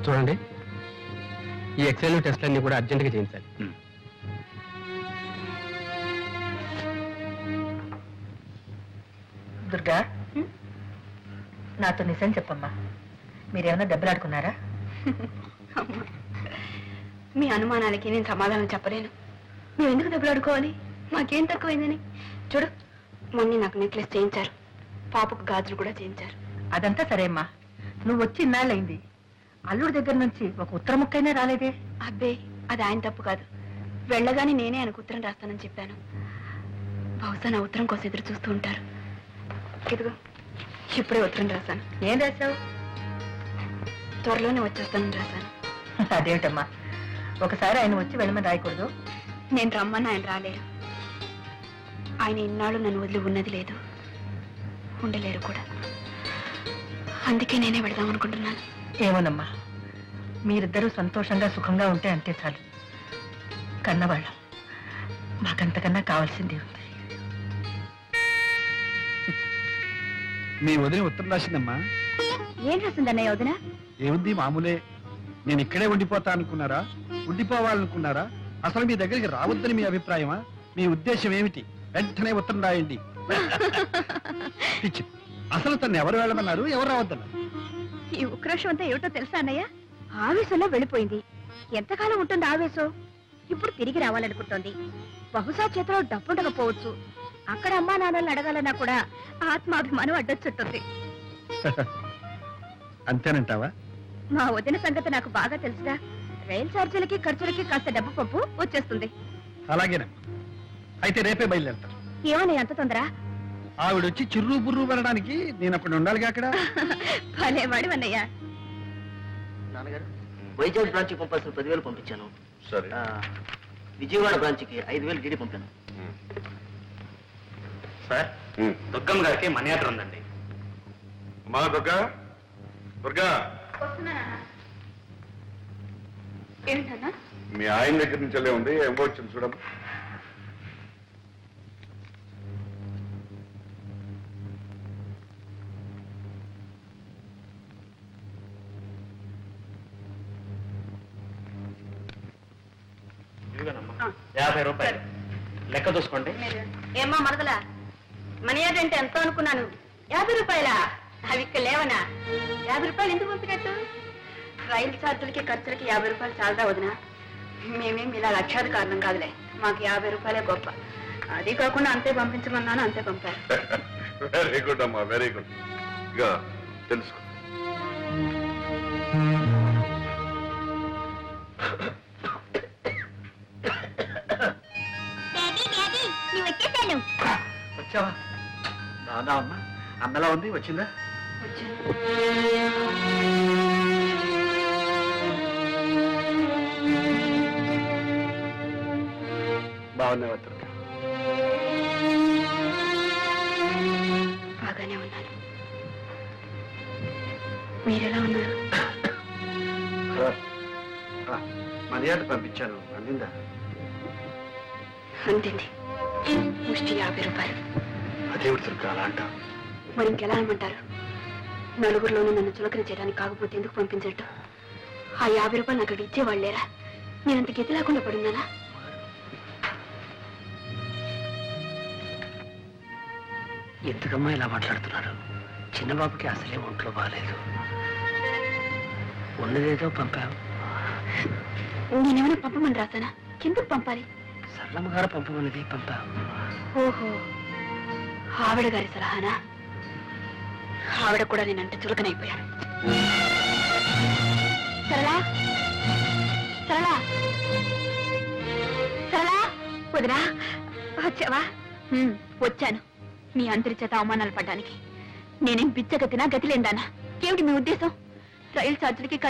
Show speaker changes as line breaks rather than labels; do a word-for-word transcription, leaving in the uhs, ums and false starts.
చూడండి, ఈ ఎక్సెల్ టెస్ట్లన్నీ కూడా అర్జెంటుగా చేయించాలి.
దుర్గా, నాతో నిజం చెప్పమ్మా, మీరేమన్నా దెబ్బలాడుకున్నారా?
మీ అనుమానాలకి నేను సమాధానం చెప్పలేను. మేము ఎందుకు దెబ్బలాడుకోవాలి? మాకేం తక్కువైందని. చూడు, మొన్న నాకు నెక్లెస్ చేయించారు, పాపకు గాజులు కూడా చేయించారు.
అదంతా సరే అమ్మా, నువ్వు వచ్చి ఇన్నాళ్ళైంది, అల్లుడి దగ్గర నుంచి ఒక ఉత్తర ముక్కైనా రాలేదే?
అబ్బే, అది ఆయన తప్పు కాదు. వెళ్ళగానే నేనే ఆయనకు ఉత్తరం రాస్తానని చెప్పాను. బహుశా నా ఉత్తరం కోసం ఎదురు చూస్తూ ఉంటారు. ఇదిగో, ఇప్పుడే ఉత్తరం రాశాను.
ఏం రాశావు?
త్వరలోనే వచ్చేస్తానని రాశాను.
అదేమిటమ్మా, ఒకసారి ఆయన వచ్చి వెళ్ళమని రాయకూడదు?
నేను రమ్మని ఆయన రాలేరు. ఆయన ఇన్నాళ్ళు నన్ను వదిలి ఉన్నది లేదు, ఉండలేరు కూడా. అందుకే నేనే వెళదాం అనుకుంటున్నాను.
ఏమోనమ్మా, మీరిద్దరూ సంతోషంగా సుఖంగా ఉంటే అంతే చాలు. కన్నవాళ్ళం, మాకంతకన్నా కావాల్సిందే ఉంది.
మీ వదిన ఉత్తరం రాసిందమ్మా.
ఏం రాసిందన్నయ్య వదిన?
ఏముంది, మామూలే. నేను ఇక్కడే ఉండిపోతా అనుకున్నారా, ఉండిపోవాలనుకున్నారా, అసలు మీ దగ్గరికి రావద్దని మీ అభిప్రాయమా? మీ ఉద్దేశం ఏమిటి? వెంటనే ఉత్తరం రాయండి. పిచ్చి. అసలు తను ఎవరు వెళ్ళమన్నారు, ఎవరు రావద్దన్నారు?
ఈ ఉక్రోషం అంతా ఏమిటో తెలుసా అన్నయ్య? ఆవేశంలో వెళ్ళిపోయింది. ఎంతకాలం ఉంటుంది ఆవేశం? ఇప్పుడు తిరిగి రావాలనుకుంటోంది. బహుశా చేతిలో డబ్బుండకపోవచ్చు. అక్కడ అమ్మా నాన్నల్ని అడగాలన్నా కూడా ఆత్మాభిమానం అడ్డొచ్చుంటుంది.
అంతేనంటావా?
మా వదిన సంగతి నాకు బాగా తెలుసుగా. రైలు ఛార్జీలకి ఖర్చులకి కాస్త డబ్బు పప్పు వచ్చేస్తుంది.
అలాగేనమ్మా, అయితే రేపే బయలుదేరుతాను.
ఏమని అంత తొందర?
ఆవిడొచ్చి చిర్రు బుర్రు వెళ్ళడానికి నేను అక్కడ ఉండాలిగా. అక్కడ
భలేవాడు అన్నయ్య.
నాన్నగారు, వైజాగ్ బ్రాంచ్కి పంపాల్సిన పదివేలు పంపించాను.
సరే.
విజయవాడ బ్రాంచ్కి ఐదు వేలు డీడీ పంపాను.
సార్, దుర్గమ్మ గారికి మనీ ఆర్డర్ ఉందండి.
మా దుర్గా, దుర్గా,
ఏంటన్నా?
మీ ఆయన దగ్గర నుంచి వెళ్ళే ఉంది, ఏం వచ్చింది చూడమ్మా.
యాభై రూపాయలు లెక్క చూసుకోండి.
ఏమ్మా మరదలా, మనీ ఆర్డర్ అంటే ఎంతో అనుకున్నాను. యాభై రూపాయలా? అవి ఇక్కడ లేవనా? యాభై రూపాయలు ఎందుకు పంపినట్టు? రైలు ఛార్జీలకి ఖర్చులకి యాభై రూపాయలు చాలదా వదినా? మేమేం ఇలా లక్షాది కారణం కాదులే, మాకు యాభై రూపాయలే గొప్ప. అది కాకుండా అంతే పంపించమన్నాను, అంతే పంపారు.
వెరీ గుడ్ అమ్మా, వెరీ గుడ్. ఇక తెలుసుకో.
వచ్చావా? రాదా అమ్మా? అన్నలా ఉంది, వచ్చిందా? బాగున్నావా దుర్గా?
బాగానే ఉన్నాను. మీరెలా ఉన్నారు?
మర్యాద పంపించాను, అందిందా?
అందింది. ముష్టి యాభై రూపాయలు.
అదేమిటి దుర్గా అలా అంటావు?
మరి ఇంకెలా అనమంటారు? నలుగురిలోనూ నన్ను చులకన చేయడానికి కాకపోతే ఎందుకు పంపించట్టు? ఆ యాభై రూపాయలు నాకు అక్కడ ఇచ్చేవాళ్ళేరా? నేనంత గతి లేకుండా పడున్నానా?
ఎందుకమ్మా ఇలా మాట్లాడుతున్నారు? చిన్నబాబుకి అసలే ఒంట్లో బాగాలేదు. ఉన్నదేదో పంపావు.
నేనేమైనా పంపమని రాసానా? ఎందుకు పంపాలి?
సరళమ్మ గారు పంపమన్నది పంపావు.
ఓహో, ఆవిడ గారి సలహానా? ఆవిడ కూడా నేనంటే చులకనైపోయాను. సరళా, సరళా, సరళా, వదినా వచ్చావా? వచ్చాను. మీ అందరి చేత అవమానాలు పడ్డానికి. నేనేం బిచ్చగతినా, గతి లేదానా? ఏమిటి మీ ఉద్దేశం? రైలు ఛార్జీలకి